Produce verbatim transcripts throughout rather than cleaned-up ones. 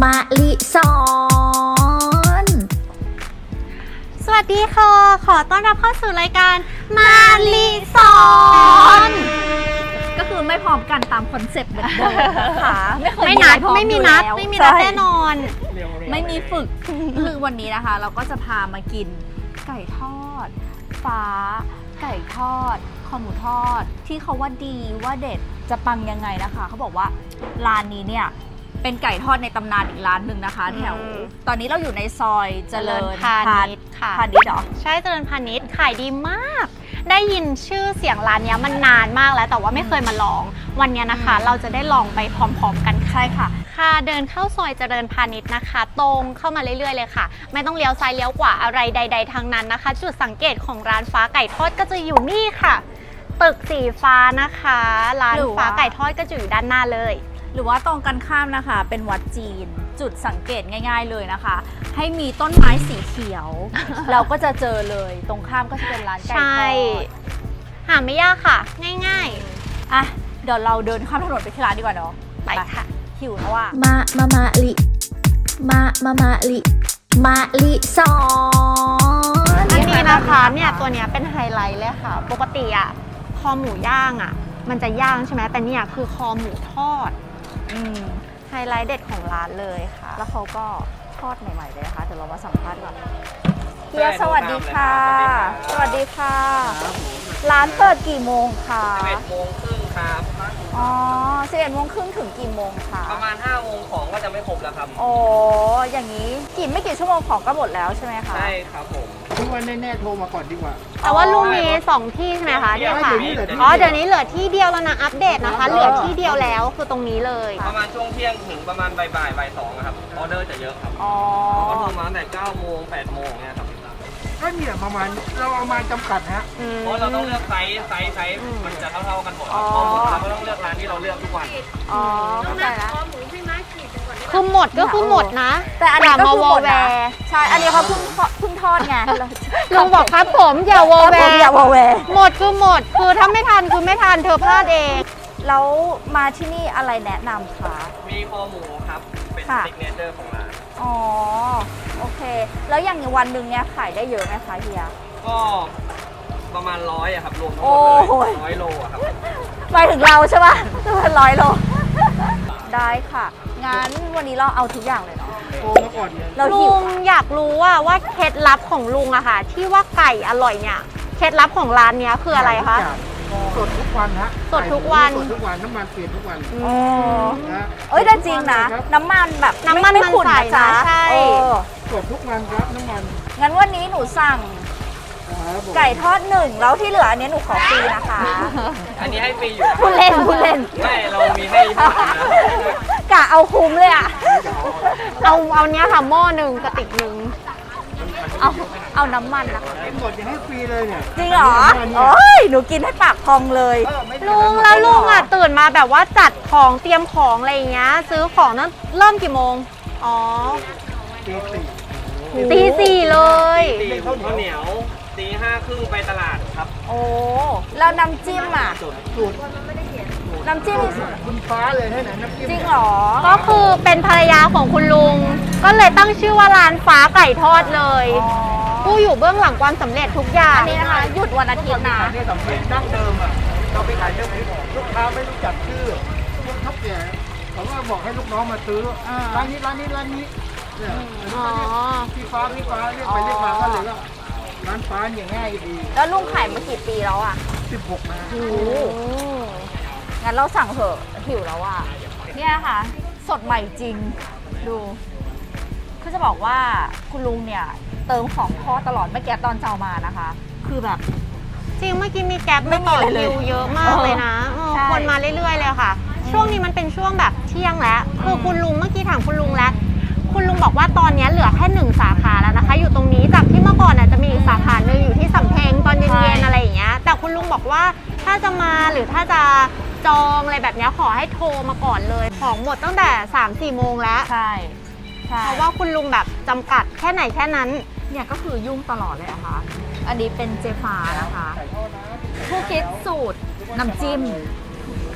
มาลิสอนสวัสดีค่ะขอต้อนรับเข้าสู่รายการมาลิสอนก็คือไม่พร้อมกันตามคอนเซ็ปต์เหมือนเดิมนะคะไม่เคยไม่นัดไม่มีนัดไม่มีนัดแน่นอนไม่มีฝึกคือวันนี้นะคะเราก็จะพามากินไก่ทอดฟ้าไก่ทอดคอหมูทอดที่เขาว่าดีว่าเด็ดจะปังยังไงนะคะเขาบอกว่าร้านนี้เนี่ยเป็นไก่ทอดในตำนานอีกร้านหนึ่งนะคะแถวตอนนี้เราอยู่ในซอยเจริญพาณิชย์ค่ะพาณิชย์เหรอใช่เจริญพาณิชย์ขายดีมากได้ยินชื่อเสียงร้านนี้มันนานมากแล้วแต่ว่าไม่เคยมาลองวันนี้นะคะเราจะได้ลองไปพร้อมๆกันใช่ค่ะค่ะเดินเข้าซอยเจริญพาณิชย์นะคะตรงเข้ามาเรื่อยๆเลยค่ะไม่ต้องเลี้ยวซ้ายเลี้ยวขวาอะไรใดๆทางนั้นนะคะจุดสังเกตของร้านฟ้าไก่ทอดก็จะอยู่นี่ค่ะตึกสีฟ้านะคะร้านฟ้าไก่ทอดก็จะอยู่ด้านหน้าเลยหรือว่าตรงกันข้ามนะคะเป็นวัดจีนจุดสังเกตง่ายๆเลยนะคะให้มีต้นไม้สีเขียว เราก็จะเจอเลยตรงข้ามก็จะเป็นร้านไก่ทอดหาไม่ยากค่ะง่ายๆอ่ะเดี๋ยวเราเดินข้ามถนนไปที่ร้านดีกว่าเนาะไปค่ะหิวแล้วอ่ะมามามาลิมามามาลิมาลิสอนอันนี้นะคะเนี่ยตัวเนี้ยเป็นไฮไลท์เลยค่ะปกติอ่ะคอหมูย่างอ่ะมันจะย่างใช่ไหมแต่เนี่ยคือคอหมูทอดอืมไฮไลท์เด็ดของร้านเลยค่ะแล้วเขาก็ทอดใหม่ๆเลยนะคะเดี๋ยวเรามาสัมภาษณ์ก่อนเฮียสวัสดีค่ะสวัสดีค่ะร้านเปิดกี่โมงคะสิบเอ็ดโมงครึ่งครับอ๋อสิบเอ็ดโมงครึ่งถึงกี่โมงคะประมาณห้าโมงของก็จะไม่ครบแล้วครับโอ้อย่างนี้กี่ไม่กี่ชั่วโมงของก็หมดแล้วใช่ไหมคะใช่ครับผมทุกวันแน่ๆโทรมาก่อนดีกว่าแต่ว่าลุงมีสองที่ใช่ไหมคะที่ค่ะอ๋อเดี๋ยวนี้เหลือที่เดียวแล้วนะอัปเดตนะคะเหลือที่เดียวแล้วคือตรงนี้เลยประมาณช่วงเที่ยงถึงประมาณบ่ายบ่ายบ่ายสองครับออเดอร์จะเยอะครับอ๋อก็โทรมาตั้งแต่เก้าโมงแปดโมงเนี่ยครับก็เนี่ยประมาณเราเอามาจำกัดฮะเพราะเราต้องเลือกไซส์ไซส์ไซส์มันจะเท่าๆกันหมดครับข้อมูลเราก็ต้องเลือกร้านที่เราเลือกทุกวันอ๋อเข้าใจแล้วคือหมดก็คือหมดนะแต่อันนี้ก็คือหมดนะใช่อันนี้เขาเพิ่งเพิ่งทอดไงลุงบอกครับผมอย่าวอแวร์อย่าวอแวร์หมดคือหมดคือถ้าไม่ทันคือไม่ทันเธอพลาดเองแล้วมาที่นี่อะไรแนะนำคะมีคอหมูครับเป็นซิกเนเจอร์ของร้านอ๋อโอเคแล้วอย่างวันหนึ่งเนี้ยขายได้เยอะไหมคะเฮียก็ประมาณร้อยอะครับรวมทั้งหมดเลยร้อยโลอะครับไปถึงเราใช่ป่ะเป็นร้อยโลได้ค่ะงั้นวันนี้เราเอาทุกอย่างเลยเนาะโทรมาก่อนเราลุงอยากรู้ว่าว่าเคล็ดลับของลุงอะค่ะที่ว่าไก่อร่อยเนี่ยเคล็ดลับของร้านเนี้ยคืออะไรคะสดทุกวันฮะสดทุกวันสดทุกวันน้ำมันเปลี่ยนทุกวันอ๋อเอ้ยแต่จริงนะน้ำมันแบบน้ำมันมันใสนะใช่สดทุกวันครับน้ำมันงั้นวันนี้หนูสั่งไก่ทอดหนึ่งแล้วที่เหลืออันนี้หนูขอฟรีนะคะอันนี้ให้ฟรีอยู่พูดเล่นพูดเล่นไม่เรามีให้กะเอาคุ้มเลยอ่ะเอาเอาเนี้ยค่ะหม้อหนึ่งกระติกหนึ่งเอาเอาน้ำมันนะคะหมดจะให้ฟรีเลยเนี่ยจริงเหรอโอ้ยหนูกินให้ปากพองเลยลุงแล้วลุงอ่ะตื่นมาแบบว่าจัดของเตรียมของอะไรอย่างเงี้ยซื้อของนั้นเริ่มกี่โมงอ๋อตีสี่ตีสี่เลยตีข้าวเหนียวตีห้าครึ่งไปตลาดครับโอ้แล้วน้ำจิ้มอ่ะสูตรน้ำจิ้มคุณฟ้าเลยให้ไหนน้ำจิ้มจริงเหรอก็คือเป็นภรรยาของคุณลุงก็เลยตั้งชื่อว่าร้านฟ้าไก่ทอดเลยผู้อยู่เบื้องหลังความสำเร็จทุกอย่างอันนี้นะคะหยุดวันอาทิตย์นะนี่สำเร็จดั้งเดิมอ่ะเราไปขายเรื่องลูกค้าไม่รู้จักชื่อพวกทับแก่เขาว่าบอกให้ลูกน้องมาซื้อร้านนี้ร้านนี้ร้านนี้เนี่ยพี่ฟ้าพี่ฟ้าเรียกไปเรียกมาก็เลยว่าร้านฟ้าอย่างง่ายดีแล้วลุงขายมากี่ปีแล้วอ่ะสิบหกนะโอ้งั้นเราสั่งเถอะหิวแล้วอ่ะเนี่ยค่ะสดใหม่จริงดูคือจะบอกว่าคุณลุงเนี่ยเติมของทอดตลอดไม่แก๊สตอนเจ้ามานะคะคือแบบจริงเมื่อกี้มีแก๊ปไม่ต่อคิวเยอะมากเลยนะคนมาเรื่อยๆเลยค่ะช่วงนี้มันเป็นช่วงแบบเที่ยงแล้วคือคุณลุงเมื่อกี้ถามคุณลุงแล้วคุณลุงบอกว่าตอนนี้เหลือแค่หนึ่งสาขาแล้วนะคะอยู่ตรงนี้จากที่เมื่อก่อนจะมีอีกสาขาหนึ่งอยู่ที่สำเพ็งตอนเย็นๆอะไรอย่างเงี้ยแต่คุณลุงบอกว่าถ้าจะมาหรือถ้าจะจองอะไรแบบนี้ขอให้โทรมาก่อนเลยของหมดตั้งแต่ สามสี่ โมงแล้วใช่เพราะว่าคุณลุงแบบจำกัดแค่ไหนแค่นั้นเนี่ยก็คือยุ่งตลอดเลยนะคะอันนี้เป็นเจฟ้านะคะผู้คิดสูตรน้ำจิ้ม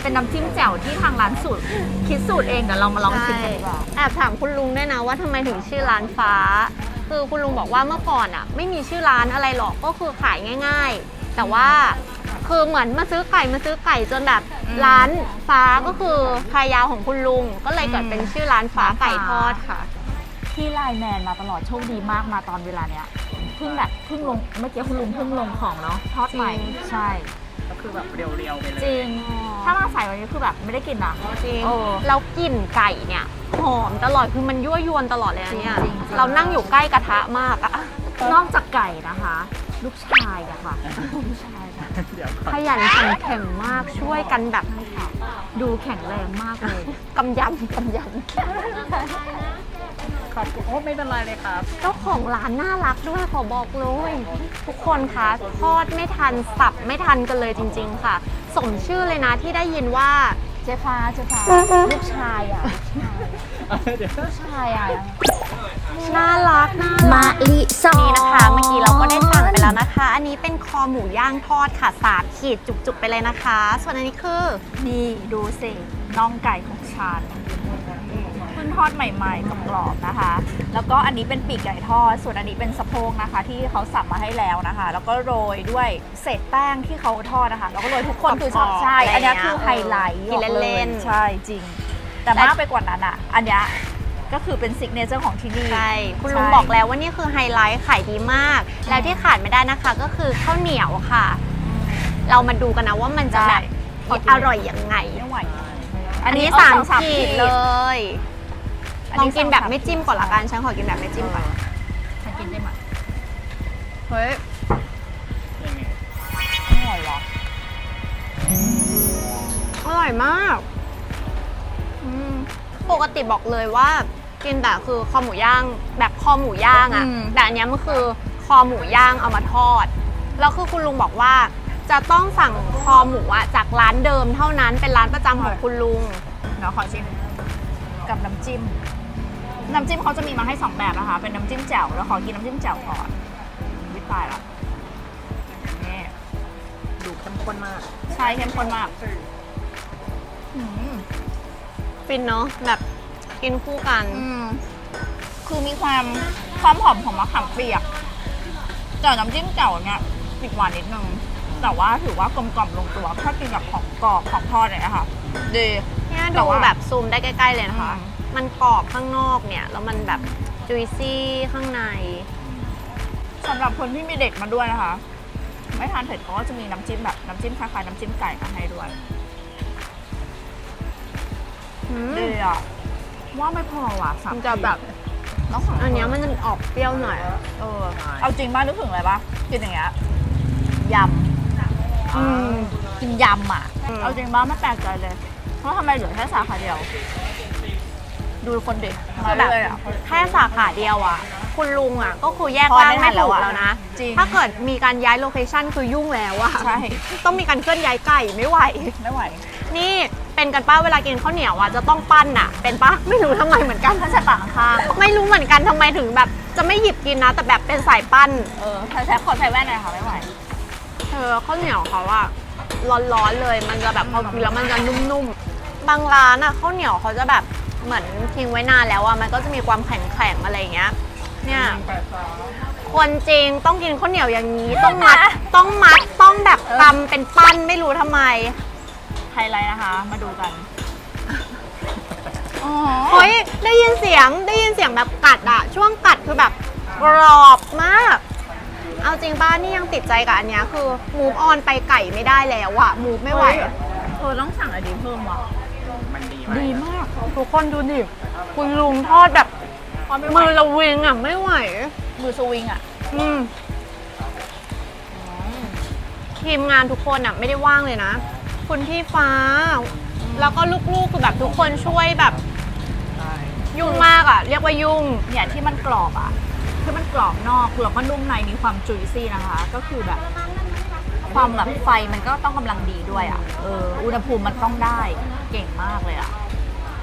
เป็นน้ำจิ้มแจ่วที่ทางร้านสูตรคิดสูตรเองเดี๋ยวเรามาลองชิมกันดีกว่าแอบถามคุณลุงด้วยนะว่าทำไมถึงชื่อร้านฟ้า คือคุณลุงบอกว่าเมื่อก่อนอ่ะ ไม่มีชื่อร้านอะไรหรอกก็คือขายง่าย ๆ แต่ว่าคือเหมือนมาซื้อไก่มาซื้อไก่จนแบบร้านฟ้าก็คือภรรยาของคุณลุงก็เลยเกิดเป็นชื่อร้านฟ้าไก่ทอดค่ะที่ไลน์แมนมาตลอดโชคดีมากมาตอนเวลาเนี้ยเพิ่งแบบเพิ่งลงเมื่อกี้คุณลุงเพิ่งลงของเนาะทอดใหม่จริงใช่ก็คือแบบเรียวๆไปเลยจริง ถ้ามาใส่วันนี้คือแบบไม่ได้กินนะจริงเออแล้วกลิ่นไก่เนี่ยหอมตลอดคือมันยั่วยวนตลอดเลยนะเนี่ยจริงๆเรานั่งอยู่ใกล้กระทะมากอะนอกจากไก่นะคะ ลูกชายอะค่ะลูกชายค่ะเดี๋ยวก่อนขยันขันแข็งมากช่วยกันแบบดูแข็งแรงมากเลยกำยำกำยขอบคุณโอ้ไม่เป็นไรเลยครับำเจ้าของร้านน่ารักด้วยขอบอกเลย ทุกคนคะทอดไม่ทันสับไม่ทันกันเลยจริง ๆ ค่ะ สมชื่อเลยนะที่ได้ยินว่าเจ๊ฟ้าเจ๊ฟ้าลูกชายอะเดี๋ยวลูกชายอะน่ารักน่ารัมะกลิซอนี่นนะคะเมื่อกี้เราก็ได้สั่งไปแล้วนะคะ อันนี้เป็นคอหมูย่างทอดค่ะสามขีดจุกๆไปเลยนะคะ ส่วนอันนี้คือนี่ดูสิน่องไก่ของฉันเพิ่งทอดใหม่ๆกับกรอบๆนะคะ แล้วก็อันนี้เป็นปีกไก่ทอดส่วนอันนี้เป็นสะโพกนะคะ ที่เขาสับมาให้แล้วนะคะ แล้วก็โรยด้วยเศษแป้งที่เขาทอดนะคะ แล้วก็โรยทุกคนคือชอบใช่อันนี้คือไฮไลท์กินเล่นๆใช่จริง แต่มากไปกว่านั้นอ่ะ อันนี้ก็คือเป็นซิกเนเจอร์ของที่นี่ใช่คุณลุงบอกแล้วว่านี่คือไฮไลท์ขายดีมาก แล้วที่ขาดไม่ได้นะคะก็คือข้าวเหนียวค่ะ เรามาดูกันนะว่ามันจะแบบขอกินอร่อยยังไงไม่ไหวอันนี้เอสามองขีดเลยอันลนี้องกินสองแบบสามไม่จิ้มก่อนละกันฉันขอกินแบบไม่จิ้มก่อนฉันกินได้ไหมเฮ้ยไม่อร่อยหรออร่อยมากอืมปกติบอกเลยว่ากินแต่คือคอหมูย่างแบบคอหมูย่างอะแต่อันเนี้ยมันคือคอหมูย่างเอามาทอดแล้วคือคุณลุงบอกว่าจะต้องสั่งคอหมูอะจากร้านเดิมเท่านั้นเป็นร้านประจำของคุณลุงเดี๋ยวขอชิมกับน้ำจิ้ม น้ำจิ้มเขาจะมีมาให้สองแบบนะคะ เป็นน้ำจิ้มแจ่วแล้วขอกินน้ำจิ้มแจ่วก่อนวิตายละนี่ดูเข้มข้นมากใช่เข้มข้นมากอืมฟินเนาะแบบกินคู่กันอืมคือมีความความหอมของมะขามเปียกแต่น้ำจิ้มแจ่วเนี่ยติดหวานนิดนึงแต่ว่าถือว่ากลมกล่อมลงตัวถ้ากินกับของกรอบของทอดเนี่ยนะคะดีเนี่ยแต่ดูว่าแบบซูมได้ใกล้ๆเลยนะคะอืมมันกรอบข้างนอกเนี่ย แล้วมันแบบจุยซี่ข้างในสำหรับคนที่มีเด็กมาด้วยนะคะ ไม่ทานเผ็ดเขาก็จะมีน้ำจิ้มแบบน้ำจิ้มคล้ายๆน้ำจิ้มไก่มาให้ด้วยอืมดีอ่ะว่าไม่พอว่ะสามมันจะแบบต้องสั่งอันเนี้ยมันจะออกเปรี้ยวหน่อยเออเอาจริงบ้านนึกถึงอะไรปะกินอย่างเงี้ยยำอืมกินยำอ่ะอืมเอาจริงบ้านไม่แปลกใจเลยเพราะทำไมเหลือแค่สาขาเดียว ดูคนเด็กคืมาอแบบเลยอ่ะแค่สาขาเดียวอ่ะ คุณลุงอ่ะ ก็คือแยกพอร่างไม่ทัไม่นแล้ถูวกอะแล้วนะจริงถ้าเกิดมีการย้ายโลเคชั่นคือยุ่งแล้วอ่ะใช่ต้องมีการเคลื่อนย้ายไก่ไม่ไหวไม่ไหวนี่เป็นกันป้าเวลากินข้าวเหนียวอ่ะจะต้องปั้นอ่ะ เป็นป้าไม่รู้ทำไมเหมือนกันถ้าใส่ปากข้างไม่รู้เหมือนกันทำไมถึงแบบ จะไม่หยิบกินนะ แต่แบบเป็นสายปั้นเออใส่แซ่บขอใส่แว่นหน่อยค่ะไม่ไหวเธอข้าวเหนียวเขาอะร้อนๆเลย มันจะแบบพอกินแล้วมันจะนุ่มๆ บางร้านอะข้าวเหนียวเขาจะแบบเหมือนทิ้งไว้นานแล้วอะมันก็จะมีความแข็งๆอะไรอย่างเงี้ย เนี่ย คนจริงต้องกินข้าวเหนียวอย่างนี้ ต้องมัด ต้องมัด ต้องแบบตำเป็นปั้นไม่รู้ทำไมไฮไลท์นะคะ มาดูกันอ๋อเฮ้ยได้ยินเสียงได้ยินเสียงแบบกัดอะช่วงกัดคือแบบกรอบมาก เอาจริงป้านี่ยังติดใจกับอันเนี้ยคือมูฟออนไปไก่ไม่ได้แล้วอะมูฟไม่ไหวเออต้องสั่งอะไรดีเพิ่มว่ะมันดีดีมากทุกคนดูดิคุณลุงทอดแบบพอไม่ไหวมือละวิงอะไม่ไหวมือสวิงอ่ะอืมทีมงานทุกคนอะไม่ได้ว่างเลยนะ คุณพี่ฟ้า แล้วก็ลูกๆคือแบบทุกคนช่วยแบบยุ่งมากอะเรียกว่ายุ่งเนี่ยที่มันกรอบอ่ะคือมันกรอบนอกแล้วก็นุ่มในมีความจุยซี่นะคะ ก็คือแบบ ความแบบไฟมันก็ต้องกำลังดีด้วยอ่ะ เออ อุณหภูมิมันต้องได้ เก่งมากเลยอ่ะ มันดี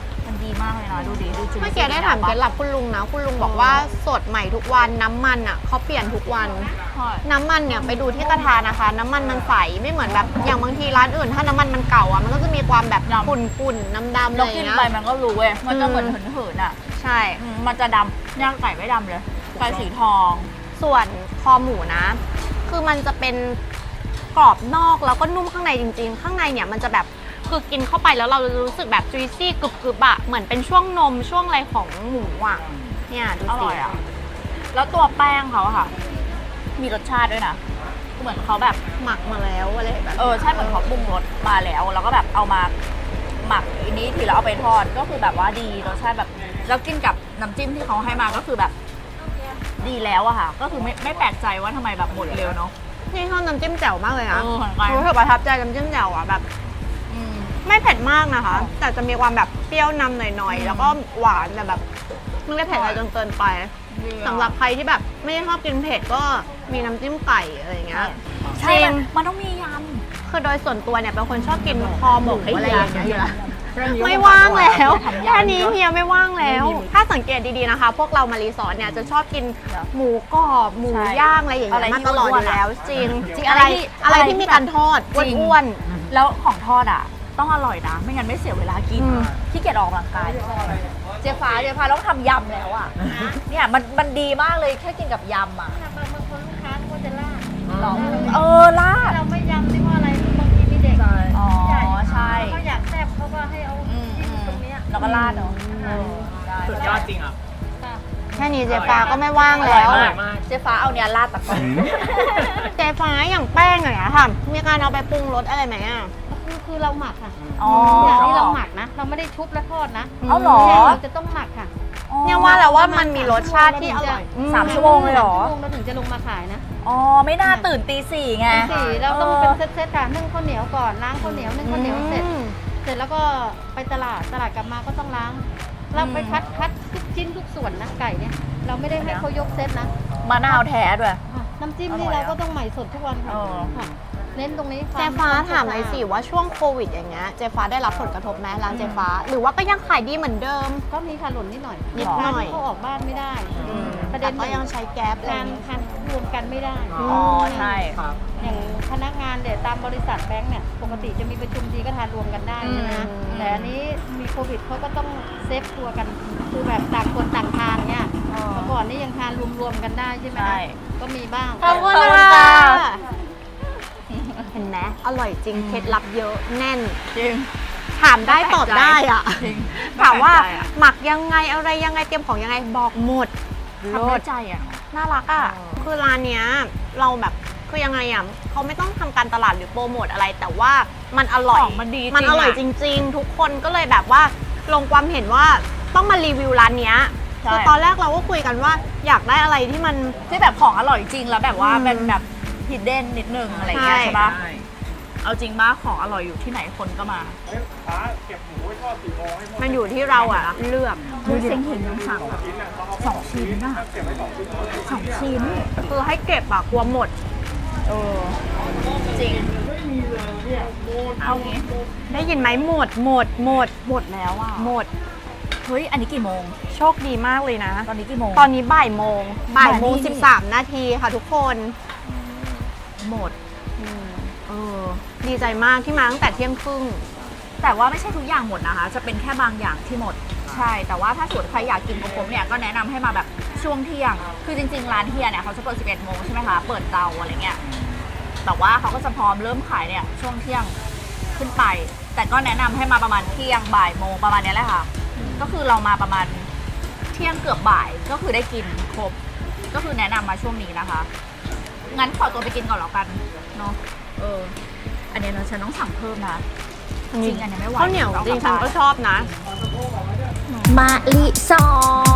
ดีมากเลยนะดูดีดูจุ๊เมื่อกี้ได้ถามเคล็ดลับคุณลุงนะ คุณลุงบอกว่าสดใหม่ทุกวันน้ำมันอ่ะเขาเปลี่ยนทุกวัน น้ำมันเนี่ยไปดูที่กระทะนะคะ น้ำมันมันใสไม่เหมือนแบบอย่างบางทีร้านอื่น ถ้าน้ำมันมันเก่าอ่ะมันก็จะมีความแบบขุ่นๆน้ำดำๆอะไรเราอย่างกินเงี้ยไปมันก็รู้เว้ยมันจะเหมือนเหินๆอ่ะใช่อืมมันจะดำย่างไก่ไม่ดำเลยไก่สีทองส่วนคอหมูนะ คือมันจะเป็นกรอบนอกแล้วก็นุ่มข้างในจริง ๆ ข้างในเนี่ยมันจะแบบคือกินเข้าไปแล้วเรารู้สึกแบบจุยซี่กรึบๆอะเหมือนเป็นช่วงนมช่วงอะไรของหมูอะเนี่ยดูอสิร่อยอ่ะแล้วตัวแป้งเขาอะค่ะ มีรสชาติด้วยนะเหมือนเขาแบบหมักมาแล้วอะไรแบบเออใช่เหมือนเขาปรุงรสมาแล้ว แล้วก็แบบเอามาหมักอันนี้ทีแล้วเอาไปทอดก็คือแบบว่าดีรสชาติแบบแล้วกินกับน้ำจิ้มที่เขาให้มาก็คือแบบ ดีแล้วอะค่ะ ก็คือไม่ไม่แปลกใจว่าทำไมแบบหมดเร็วเนาะนี่ชอบน้ำจิ้มแจ่วมากเลยนะเออเหมือนกันรู้สึกประทับใจน้ำจิ้มแจ่วอะแบบอืมไม่เผ็ดมากนะคะ แต่จะมีความแบบเปรี้ยวนำหน่อยอืมๆ แล้วก็หวานแต่แบบไม่ได้เผ็ดอะไรจนเกินไปดีอะสำหรับใครที่แบบไม่ได้ชอบกินเผ็ดก็มีน้ำจิ้มไก่อะไรอย่างเงี้ยใช่จริมังนมันต้องมียคือโดยส่วนตัวเนี่ยเป็นคนชอบกินคอหมูอะไรอย่างเงี้ยอยู่แล้วแค่นี้ไม่ว่างแล้วทำยำแค่นี้เฮียไม่ว่างแล้ว ถ้าสังเกตดีๆนะคะ พวกเรามารีสอร์ทเนี่ยจะชอบกินหมูกรอบหมูใช่ย่างอะไรอย่างอะไรเงี้ยที่มาตลอดอยู่อ้วนๆอะแล้ว จริงจริงอะไรอะไรที่อะไรอะไรที่ที่มีการทอดจริงอ้วนำแล้วของทอดอ่ะ ต้องอร่อยนะ ไม่งั้นไม่เสียเวลากินอืมขี้เกียจออกกำลังกาย เจ๊ฟ้าเจ๊ฟ้าต้องทำยำแล้วอ่ะ เนี่ยมันมันดีมากเลยแค่กินกับยำอ่ะบางบางคนลูกค้าก็จะลาดหรอเออลาดเราไม่ยำนี่เพราะอะไรบางทีมีเด็กอ๋อใช่เขาอยากแซ่บเขาก็ให้เอาอืมจิ้อืมมตรงเนี้ยแล้วก็ลาดเนาะเออได้สุดยอดจริงอ่ะค่ะๆแค่นี้เจ๊ฟ้าก็ไม่ว่างแล้วอร่อยมากเจ๊ฟ้าเอาเนี่ยลาดตะกอนเจ๊ฟ้าอย่างแป้งอย่างเงี้ยค่ะ มีการเอาไปปรุงรสอะไรไหมอ่ะคือคือเราหมักค่ะอ๋ออย่างนี้เราหมักนะ เราไม่ได้ชุบและทอดนะเอาเหรอเนี่ยเราจะต้องหมักค่ะเนี่ยว่าแล้วว่ามันมีรสชาติที่อร่อยสามชั่วโมงเลยเหรอชั่วโมงเราถึงจะลงมาขายนะอ๋อไม่น่าตื่นตีสี่ไงสี่เราต้องเป็นเซตๆค่ะนึ่งข้าวเหนียวก่อนล้างข้าวเหนียวนึ่งข้าวเหนียวเสร็จอืมเสร็จแล้วก็ไปตลาดตลาดกลับมาก็ต้องล้าง เราไปคัดคัดทุกชิ้นทุกส่วนนะไก่เนี่ย เราไม่ได้ให้เขายกเซตนะมะนาวแท้ด้วยค่ะน้ำจิ้มนี่อร่อยเราอะก็ต้องใหม่สดทุกวันค่ะเออค่ะเน้นตรงนี้ควเจ๊ฟ้าควถามหน่อยสิว่าช่วงโควิดอย่างเงี้ยเจ๊ฟ้าได้รับผลกระทบไหมร้านเจ๊ฟ้า หรือว่าก็ยังขายดีเหมือนเดิมก็มีค่ะหล่นนิดหน่อยนิดหน่อยเขาออกบ้านไม่ได้อืมประเด็แต่นก็ยังใช้แก๊ปอะไรอทานย่างเงี้ยทานรวมกันไม่ได้อ๋อใช่ครับอย่างพนักงานเดี๋ยวตามบริษัทแบงค์เนี่ยปกติจะมีประชุมทีก็ทานรวมกันได้ใช่ไหมคะอืมแต่อันนี้มีโควิดเขาก็ต้องเซฟตัวกันคือแบบต่างคนต่างทานเนี่ยเออเมื่อก่อนนี่ยังทานรวมๆกันได้ใช่ไหมใช่คะก็มีบ้างขอบคุณขอบคุณค่ะค่ะเห็นไหมอร่อยจริงเคล็ดลับเยอะแน่นจริงถามได้ตอบได้อ่ะจริงถามว่าแปลกใจอะหมักยังไงอะไรยังไงเตรียมของยังไงบอกหมดทำด้วยใจอ่ะน่ารักอ่ะเออคือร้านเนี้ยเราแบบคือยังไงอ่ะเขาไม่ต้องทำการตลาดหรือโปรโมทอะไร แต่ว่ามันอร่อยของมันดีมันอร่อยจริง ๆ ทุกคนก็เลยแบบว่าลงความเห็นว่าต้องมารีวิวร้านเนี้ยใช่คือตอนแรกเราก็คุยกันว่าอยากได้อะไรที่มันที่แบบของอร่อยจริงแล้วแบบว่าอืมเป็นแบบฮิดเด้นนิดนึงอะไรอย่างเงี้ยใช่ใช่ปะเอาจริงมากของอร่อยอยู่ที่ไหนคนก็มาเอ้ยฟ้าเก็บหมูไว้ทอดสี่โมงให้หมดมันอยู่ที่เราอ่ะเลือกดูเซ็งเห็นยังสั่งอะสองชิ้นอะสองชิ้นคือให้เก็บอะกลัวหมดเออจริงเอางี้ได้ยินไหมหมดหมดหมดหมดแล้วอ่ะหมดเฮ้ยอันนี้กี่โมงโชคดีมากเลยนะตอนนี้กี่โมงตอนนี้บ่ายโมงบ่ายโมงบ่ายนี่สิบสามนาทีค่ะทุกคนหมดเออดีใจมากที่มาตั้งแต่เที่ยงครึ่งแต่ว่าไม่ใช่ทุกอย่างหมดนะคะ จะเป็นแค่บางอย่างที่หมด ใช่ แต่ว่าถ้าสมมติใครอยากกินกับผมเนี่ย ก็แนะนำให้มาแบบช่วงเที่ยง คือจริงๆ ร้านเฮียเนี่ยเขาจะเปิดสิบเอ็ดโมงใช่ไหมคะ เปิดเตาอะไรเงี้ย แต่ว่าเขาก็จะพร้อมเริ่มขายเนี่ยช่วงเที่ยงขึ้นไป แต่ก็แนะนำให้มาประมาณเที่ยงบ่ายโมงประมาณเนี้ยแหละค่ะ ก็คือเรามาประมาณเที่ยงเกือบบ่าย ก็คือได้กินครบ ก็คือแนะนำมาช่วงนี้นะคะ งั้นขอตัวไปกินก่อนแล้วกันเนาะ เออ อันเนี้ยเราฉันต้องสั่งเพิ่มนะ จริงอันเนี้ยไม่ไหวข้าวเหนียวจริงฉันก็ชอบนะมะลิซอน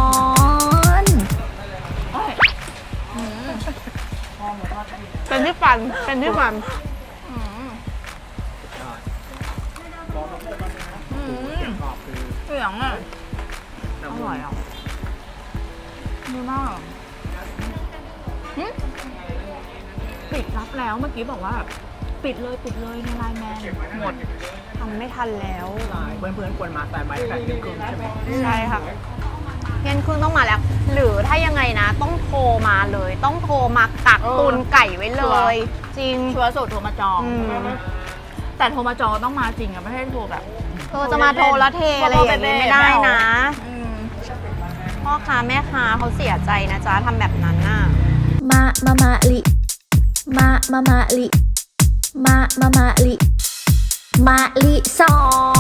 อืมเป็นที่ฟันเป็นที่ฟันอืมอืมเสียงอ่ะอร่อยอ่ะดีมากหึปิดรับแล้วเมื่อกี้บอกว่าปิดเลยปิดเลยในไลน์แมนหมดทำไม่ทันแล้วเพื่อนๆควรมาแต่ไม่แต่เที่ยงคืนใช่ไหมใช่ค่ะเย็นครึ่งต้องมาแล้ว หรือถ้ายังไงนะ ต้องโทรมาเลย ต้องโทรมากักตุนไก่ไว้เลย จริงชัวร์สุดโทรมาจองอืมแต่โทรมาจองต้องมาจริงอะไม่ใช่โทรแบบเออจะมาโทรแล้วเทอะไรอย่างนี้ไม่ได้นะอืมพ่อค้าแม่ค้าเขาเสียใจนะจ๊ะทำแบบนั้นน่ะมามามาลิมามามาลิมามามาลิมาลิสอน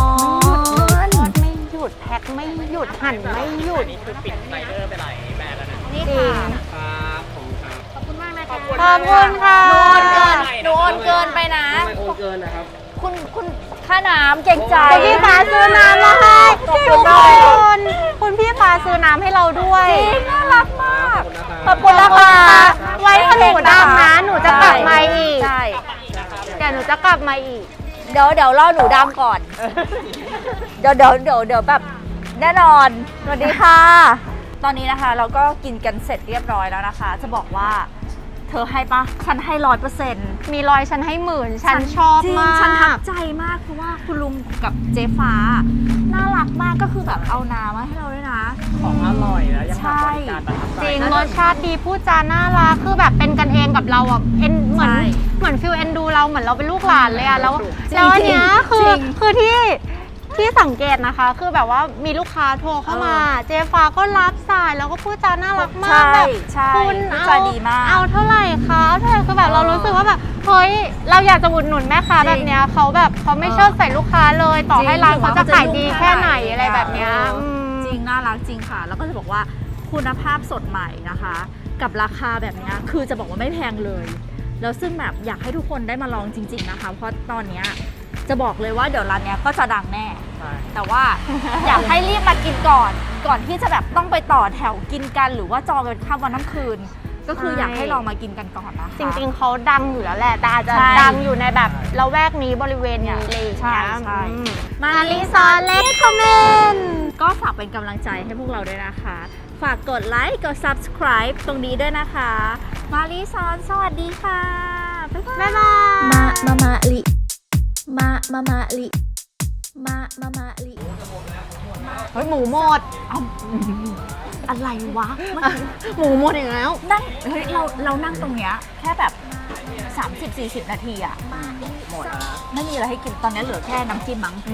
ทอดไม่หยุดแพ็คไม่หยุดหั่นไม่หยุดนี่คือปิดไรเดอร์ไปหลายแบรนด์แล้วนะนี่จริค่ะงครับผมครับขอบคุณมากนะคะขอบคุณค่ะโดนเกินโดนเกินไปนะทำไมโอนเกินนะครับคุณคุณค่าน้ำเก่งใจคุณพี่ฟ้าซื้อน้ำมาให้ขอบพี่คุทุณกมากคนคุณพี่ฟ้าซื้อน้ำให้เราด้วยจริงน่ารักมากขอบคุณนะคะไว้ถ้าหนูดำนะหนูจะกลับมาอีกใช่เดี๋ยวหนูจะกลับมาอีกเดี๋ยวเดี๋ยวรอหนูดำก่อน เดี๋ยวเดี๋ยวเดี๋ยวเดี๋ยวแบบแน่นอน สวัสดีค่ะ ตอนนี้นะคะเราก็กินกันเสร็จเรียบร้อยแล้วนะคะ จะบอกว่าเธอให้ปะฉันให้ร้อยเปอร์เซ็นต์มีรอยฉันให้หมื่นฉันชอบจริงมากฉันทับใจมากเพราะว่าคุณลุงกับเจ๊ฟ้า น่ารักมากก็คือแบบเอาน้ำมาให้เราด้วยนะของอร่อยแล้วยังแบบบริการประทับใจจริงรสชาติดีพูดจาน่ารักคือแบบเป็นกันเองกับเราอ่ะเอ็นเหมือนใช่เหมือนฟิลเอ็นดูเราเหมือนเราเป็นลูกหลานเลยอ่ะแล้วจริงแล้วอันเนี้ยคือจริงคือที่ที่สังเกตนะคะ คือแบบว่ามีลูกค้าโทรเข้ามา เจฟ้าก็รับสายแล้วก็พูดจาน่ารักมากใช่แบบใช่คุณพูดเอาจาดีมากเอาเท่าไหร่คะเอาเท่าไหร่คือแบบเรารู้สึกว่าแบบเฮ้ยเราอยากจะอุดหนุนแม่ค้าจริงแบบเนี้ยเขาแบบเขาไม่เชิดใส่ลูกค้าเลย ต่อให้ร้านเขาจะขายดีแค่ไหนอะไรแบบเนี้ยอออืมจริงน่ารักจริงค่ะ แล้วก็จะบอกว่าคุณภาพสดใหม่นะคะ กับราคาแบบเนี้ยคือจะบอกว่าไม่แพงเลย แล้วซึ่งแบบอยากให้ทุกคนได้มาลองจริง ๆนะคะ เพราะตอนเนี้ยจะบอกเลยว่าเดี๋ยวร้านเนี้ยก็จะดังแน่ใช่แต่ว่า อยากให้รีบมากินก่อน ก่อนที่จะแบบต้องไปต่อแถวกินกัน หรือว่าจองกันข้ามวันน้ำคืน ก็คือใช่อยากให้ลองมากินกันก่อนนะคะจริงๆ เขาดังอยู่แล้วแหละ แต่อาจจะใช่ดังอยู่ในแบบละแวกนี้บริเวณนี้อะไรอย่างใช่เงี้ยใช่อืมมามาลิลิซซออน นเล็เล็กกคอมเมนต์ก็ฝากเป็นกำลังใจให้พวกเราด้วยนะคะ ฝากกดไลค์ กด subscribe ตรงนี้ด้วยนะคะ มาลิซอน สวัสดีค่ะ บ๊ายบายบ๊ายบายมามามาลิมามามาลิมามามาลิเฮ้ยหมูหมดอะไรวะเมื่อกี้หมูหมดอีกแล้วนั่ง เฮ้ย เรา เรานั่งตรงเนี้ยแค่แบบ สามสิบสี่สิบ นาทีอะหมดไม่มีอะไรให้กิน ตอนนี้เหลือแค่น้ำจิ้มมั้ง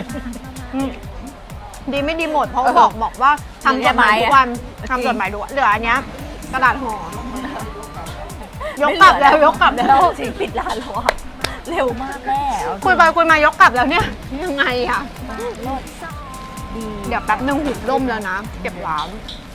ดีไม่ดีหมด เพราะบอกบอกว่าทำจดหมายทุกวันทำจดหมายทุกวันเหลืออันเนี้ยกระดาษห่อยกกลับแล้วยกกลับแล้วจริงปิดร้านแล้วอะเร็วมากแม่เอาจริงคุยไปคุยมายกกลับแล้วเนี่ยยังไงอ่ะรสดีเดี๋ยวแป๊บนึงหุบร่มแล้วนะ เก็บร้านใ